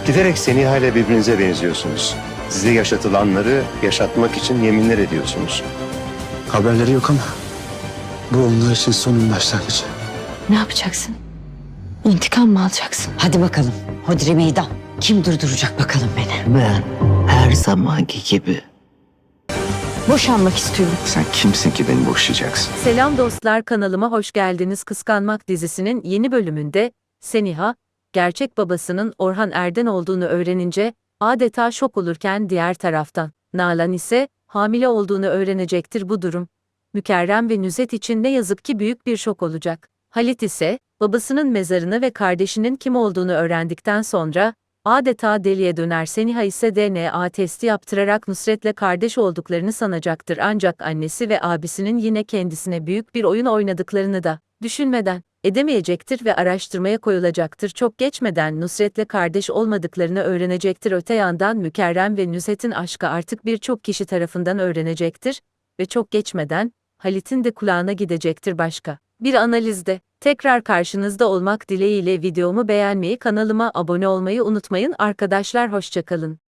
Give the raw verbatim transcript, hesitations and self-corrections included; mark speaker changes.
Speaker 1: Giderek Seniha ile birbirinize benziyorsunuz. Size yaşatılanları yaşatmak için yeminler ediyorsunuz.
Speaker 2: Haberleri yok ama bu onlar için sonun başlangıcı.
Speaker 3: Ne yapacaksın? İntikam mı alacaksın?
Speaker 4: Hadi bakalım. Hodri meydan. Kim durduracak bakalım beni?
Speaker 5: Ben her zamanki gibi.
Speaker 3: Boşanmak istiyorum.
Speaker 5: Sen kimsin ki beni boşayacaksın?
Speaker 6: Selam dostlar, kanalıma hoş geldiniz. Kıskanmak dizisinin yeni bölümünde Seniha, gerçek babasının Orhan Erden olduğunu öğrenince adeta şok olurken diğer taraftan Nalan ise hamile olduğunu öğrenecektir. Bu durum Mükerrem ve Nüzet için ne yazık ki büyük bir şok olacak. Halit ise babasının mezarını ve kardeşinin kim olduğunu öğrendikten sonra adeta deliye döner. Seniha ise D N A testi yaptırarak Nusret'le kardeş olduklarını sanacaktır. Ancak annesi ve abisinin yine kendisine büyük bir oyun oynadıklarını da düşünmeden edemeyecektir ve araştırmaya koyulacaktır. Çok geçmeden Nusret'le kardeş olmadıklarını öğrenecektir. Öte yandan Mükerrem ve Nüzet'in aşkı artık birçok kişi tarafından öğrenecektir ve çok geçmeden Halit'in de kulağına gidecektir. Başka bir analizde tekrar karşınızda olmak dileğiyle videomu beğenmeyi, kanalıma abone olmayı unutmayın arkadaşlar. Hoşça kalın.